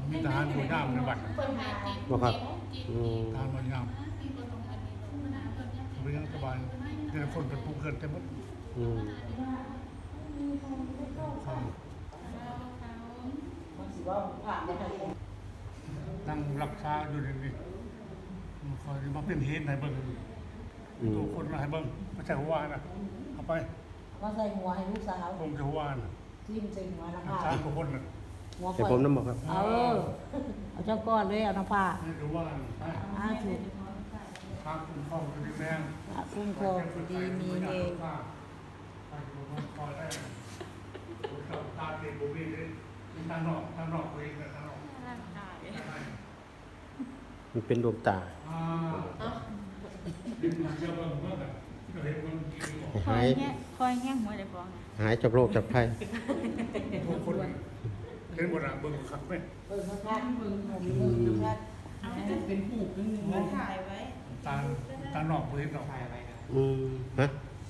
มีทหารหัวหน้าในบัตรบ่ครับทหารหัวหน้าเรื่องสบายแต่คนเป็นผู้เกิดเต็มหมดอืมนั่งรักษาอยู่ในนี้คอยมาเป็นเหตุให้เบิ่งตัวคนให้เบิ่งไม่ใช่หัวนะเอาไปมาใส่หัวให้ลูกสาวผมจะหัวนะทิ่มใส่หัวนะรักคะษาตัวคนนะหัวแต่ผมน้ำบอกครับเอาเจ้าก้อนเลยเอาน้ำผ้านี่คือว่าไปถูกทางคุ้มครองคดีแดงคุ้มครองดีมีเองไปดูมันคอยได้ตาเด็กบุบีเลยทางนอกเองนะทางนอกมันเป็นดวงตาเห็นมันเยอะมากเลยเห็นมันกินหายคอยแง่หัวเลยฟองหายจากโรคจากภัยทุกคนเห็นหมดอ่ะเบิ่งขับไหมเบิ่งข้างๆเบิ่งข้างๆเป็นหูเป็นหนึ่งมาถ่ายไว้ตานอกเห็นดอกอืมฮะ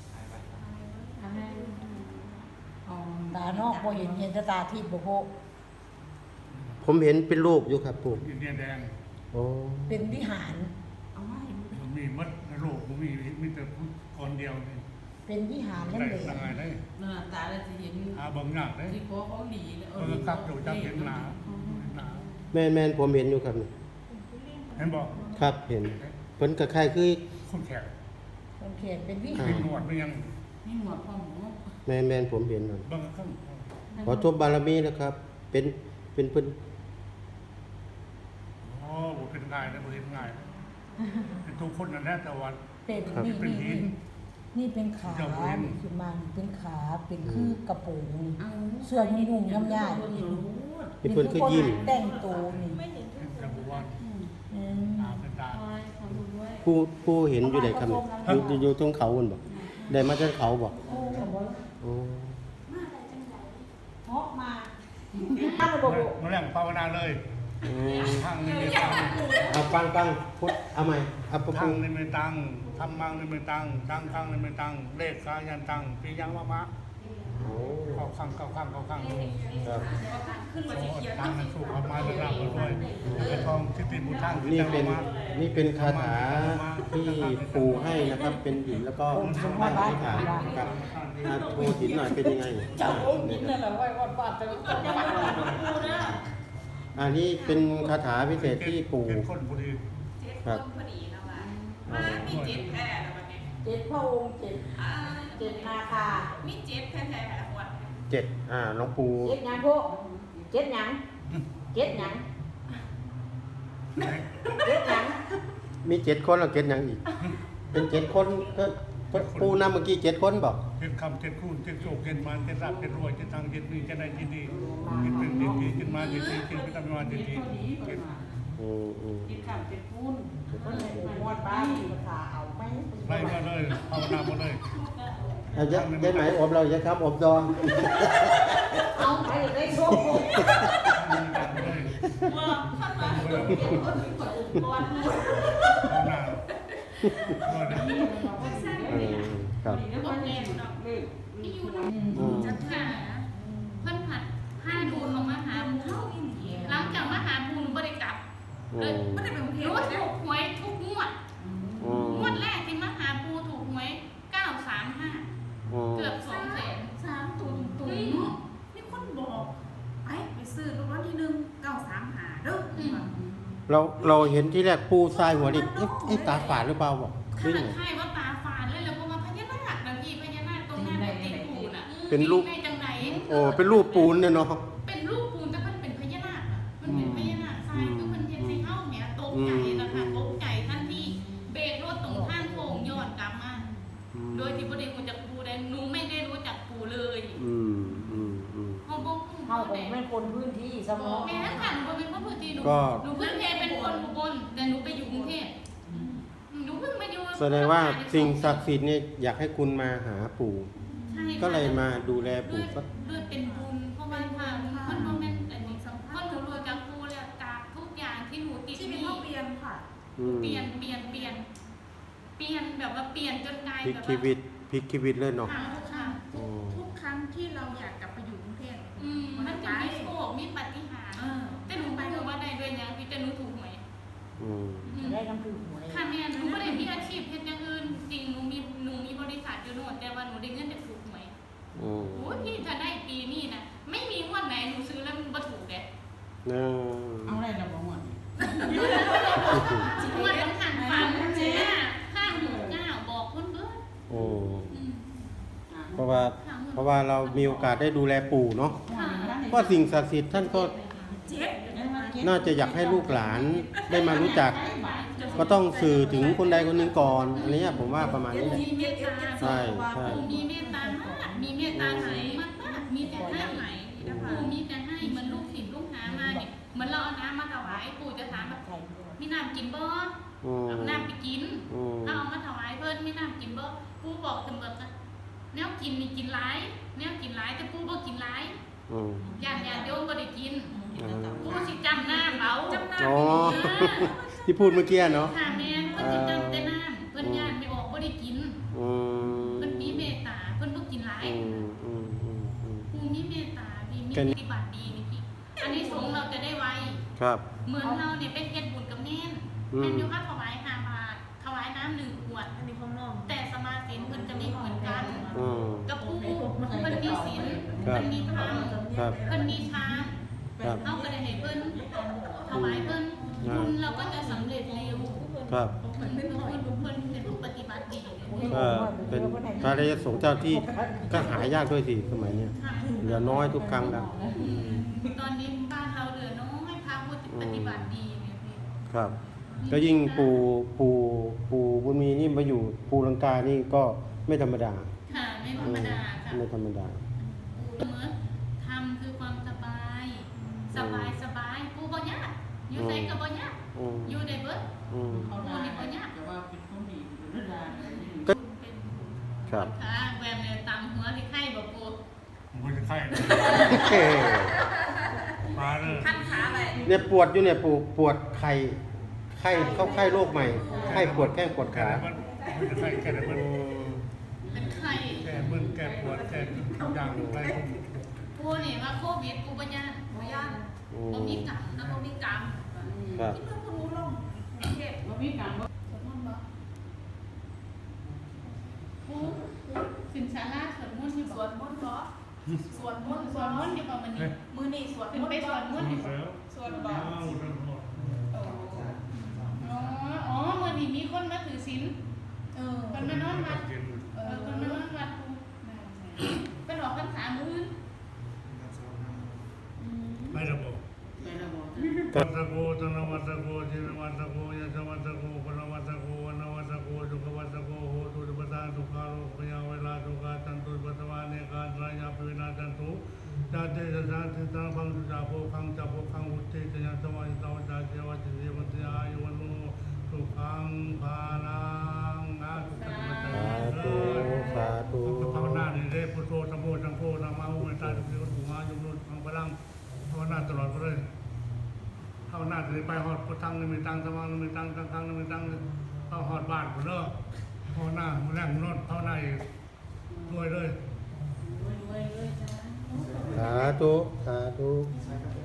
ตานอกบ่เห็นแต่ตาทิพย์บ่โหผมเห็นเป็นรูปอยู่ครับปู่อินเดียแดงโอ้เป็นวิหารเอาไว้มันมีมัดในโลกมันมีแต่คนเดียวนี่เป็นวิหารนั่นได้เองยังไงได้หน้าตาเราจะเห็นหาเบิ่งยากได้ที่เขาเขาหลีเนี่ยเออครับอยู่จับเห็นหนาแม่นผมเห็นอยู่ครับนี่เห็นบอกครับเห็นเพิ่นก็คล้ายคือคนแขกคนเขียนเป็นวิเป็หารนหนวดมันยังนี่หมวดพ่อหมูแม่นผมเห็นนั่นเบิ่งข้างขอทบบารมีนะครับ เป็นเพิ่นอ๋อบ่เป็นง่ายนะบ่เห็นง่ายเป็นทุกคนนั่นแหละแต่ว่าเป็นนี่เป็นหินนี่เป็นขาเจ้าเว้นนี่ขึ้นมาเป็นขาเป็นคือกระโปรงนี่เอาส่วนมีนุ่งย่ำย่ายมีเพิ่นคือยิ้มแต่งตัวนี่เป็นจังหวัดอืมตาเป็นตาคอยขอดูด้วยผู้เห็นอยู่ไหนครับนี่อยู่ตรงเขาพุ่นบ่ได้มาจากเขาบ่โอ้โหโอ้เพาะมาถ้าระบบมาแรงภาวนาเลยอืมทางนี้ไม่ตังเอาฟังพุทธเอาใหม่เอาประทาพุงนี้ไม่ตังทำมังนี่ไม่ตังตังข้างนี่ไม่ตังเลขกายันตังปียังมะโอ้เข้าข้างครับตังนั้นสู้เขามาจะรับกันด้วยไอ้ทองทิฏฐิบุญทางนี่เป็นคาถาที่ปู่ให้นะครับ เป็นหินแล้วก็ตั้งอธิษฐานครับโชว์หินหน่อยเป็นยังไงเจ้าองค์นี้นั่นแหละไว้วัดบาทแต่อันนี้เป็นคาถาพิเศษที่ปู่เป็นคนพอดีครับพอดีแล้วว่ามามีเจ็ดแท้แล้ววันนี้เจ็ดพระองค์เจ็ดนาคามีเจ็ดแท้ๆแล้ววัน 7หลวงปู่เจ็ดหยังพวกเจ็ดหยังเจ็ดหยังเจ็ดหยังมี7คนแล้ว7ยังอีก เป็น7คนก็ปู่นำเมื่อกี้7คนบอกเจ็ดคำเจ็ดคูณเจ็ดโศกเจ็ดมันเจ็ดรักเจ็ดรวยเจ็ดทางเจ็ดมีเจ็ดใดเจ็ดดีเจ็ดเป็นเจ็ดดีเจ็ดมาเจ็ดดีเจ็ดพิธามาเจ็ดดีเจ็ดกินข้าวเป็นปุ้นคนไหนองค์วัดบ้านภาษาเอาไหมไล่มาเลยภาวนามาเลยเอายายไหมอบเราจะครับอบดองเอาไปได้โชคว่าท่านมาเจ็ดคนเป็นคนองค์กรภาวนาด้วยนะครับแล้วก็แน่เนาะที่อยู่จัดหาเพิ่นผัดให้ดูลงมาหาภูหลังจากมาหาภูหนูบ่ได้กลับเลยบ่ได้ไปกรุงเทพรู้ถูกหวยทุกงวดงวดแรกที่มาหาภูถูกหวย935เกือบ200,000 3ตุ่นเนาะมีคนบอกไปซื้อรางวัลที่1 935เด้อเราเห็นที่แรกปูทรายหัวดิเอ๊ะตาฝาดหรือเปล่าบอกขนาดใช่ว่าตาฝาดเลยแล้วก็มาพญานาคนะพี่พญานาคตรงนั้นติดปูน่ะในจังไหนโอ้เป็นรูปปูนเนี่ยเนาะเป็นรูปปูนแต่มันเป็นพญานาคอ่ะมันเป็นพญานาคทรายคือมันเห็นในเฮ้าเนี่ยตกใจนะคะตกใจท่านที่เบรกรถตรงข้างโค้งย้อนกลับมาโดยที่บ่ได้รู้จักปูได้หนูไม่ได้รู้จักปูเลยเขาบอกเขาผมเป็นคนพื้นที่สมองแม่ค่ะหนูเป็นคนพื้นที่หนูพื้นเพเป็นคนอุบลแต่หนูไปอยู่กรุงเทพหนูเพิ่งมาอยู่แสดงว่าสิ่งศักดิ์สิทธิ์เนี่ยอยากให้คุณมาหาปู่ก็เลยมาดูแลปู่สักด้วยเป็นบุญเพราะว่ามันโมเมนต์อันนี้สำคัญหนูรวยจากปูแล้วจากทุกอย่างที่หนูติดชีวิตหนี้เขาเปลี่ยนค่ะเปลี่ยนแบบว่าเปลี่ยนจนกลายพลิกแบบชีวิตพลิกชีวิตเลยเนาะค่ะทุกครั้งที่เราอยากกลับไปอยู่กรุงเทพมันจะมีโชคมีปาฏิหาริย์แต่หนูไปว่าเอาอะไรเราบอกว่างวดต้องหันฝันเนี่ย569บอกเพิ่นเบิดโอ้อืมเพราะว่าเรามีโอกาสได้ดูแลปู่เนาะค่ะเพราะสิ่งศักดิ์สิทธิ์ท่านก็น่าจะอยากให้ลูกหลานได้มารู้จัก ก็ต้องสื่อถึงคนใดคนหนึ่งก่อนอันนี้ผมว่าประมาณนี้มีเมตตาใช่ใช่มีเมตตามากมีเมตตาไหนมากๆมีแต่ให้ไหนนะคะมีแต่ให้เหมือนลูกศิษย์ลูกหามาเนี่ยเหมือนเราเอาน้ำมาถวายปู่จะถามแบบมีน้ำกินบ่อืมเอาน้ำไปกินอืมถ้าเอามาถวายเพิ่นมีน้ำกินบ่ปู่บอกเสมอว่าแนวกินมีกินหลายแนวกินหลายแต่ปู่บ่กินหลายอืมญาติโยมบ่ได้กินปู่สิจำน้ำเอาจำน้อ๋อำที่พูดเมื่อกี้เนาะค่ะแม่นเพิ่นสิจำแต่น้ำเพิ่นญาติไม่ออกบ่ได้กินอืมเพิ่นมีเมตตาเพิ่นบ่กินหลายอืมอืมอืมอืมปู่มีเมตตามีแค่นี้ปฏิบัติดีนี่พี่อันนี้สงส์เราจะได้ไวครับเหมือนเราเนี่ยเป็นเฮ็ดบุญกับแม่นอืมแม่นอยู่ว่าถวาย5 บาทถวายน้ำ1 ขวดอันนี้ของน้องแต่สมาธิเพิ่นจะไม่เหมือนกันอืมกับปู่เพิ่นมีศีลครับเพิ่นมีธรรมครับเพิ่นมีฌานครับเฮาก็ได้ให้เพิ่นถวายเพิ่นอ่าบุญเราก็จะสำเร็จเร็วครับเพิ่นเป็นผู้ปฏิบัติดีก็เป็นพระราชสงฆ์เจ้าที่ก็หายากด้วยสิสมัยเนี้ยค่ะเหลือน้อยทุกครั้งแล้วตอนนี้บ้านเราเหลือน้อยพระผู้ปฏิบัติดีเนี่ยพี่ครับ ก็ยิ่งปู่บุญมีนี่มาอยู่ภูลังกานี่ก็ไม่ธรรมดาค่ะไม่ธรรมดาค่ะไม่ธรรมดาเหมือนทำคือความสบาย สบายกูบ่ยากอยู่ไสก็บ่ยากอืมอยู่ได้เบิดอืมเขาได้แต่ว่าเป็นคนดีหรือได้เป็นครับค่ะแวมเนี่ยตามหัวที่ไข่บ่ปูผมก็จะไข้เฮ้มาเลยขั้นขาไปเนี่ยปวดอยู่เนี่ยปวดไข้เข้าไข้โรคใหม่ไข้ปวดแข้งปวดแก้ขามันผมจะไข้แก้มันอืมเป็นไข่แก้มึนแก้ปวดแก้ทุกอย่างไรผมกูนี่ว่าโควิดกูบ่ยากบ่ย่านอืบ่มมีกรรมนะบ่มีกรรมครับที่เพิ่งรู้ลงกรุงเทพว่ามีการว่าสวดมนต์บ่กูสินสาราสวดมนต์ที่สบ่วดมนต์เหรอสวดมนต์สวดมนต์อยู่บ่มื้อนี้มือนี่สวดขึ้นมนต์ไปสวดมนต์อยู่บ่แล้วสวดบ่อ้าวทั้งหมดอ๋อมื้อนี้มีคนมาถือศีลเออเพิ่นมานอนวัดเย็นเพิ่นมานอนวัดกูเพิ่นออกพรรษามื้ออื่นไม่ระบบในระบบวัตโกตนวัตโกจินวัตโกยะวัตโกปนวัตโกวนวัตโกจุกวัตโกโหตุปทานทุกขาโลกยาเวลาทุกขาจันตุปัตวาเนกาตรายาปิวินาจันตุจาเตจาติตาพังจุจาโภคังจัโภคังอุเตจยะสมัยตาวจาเจวะจิเวตยายุวันโนสุขังภาลังนะสุขังมัจจสาเธุสาธุภาวนานี่ได้พุทโธสัมโพสังโฆนามาอุเมตตาทุกทีวัตถุมายุนุฟังพลังภาวนาตลอดไปเลย เข้าหน้าจะไปหอดพุทธังนิมิตังสมังนิมิตังสังฆังนิมิตังเข้าหอดบ้านผมเด้อเข้าหน้าแรงนอนเข้าหน้าอีกด้วยเลยสาธุสาธุสาธุ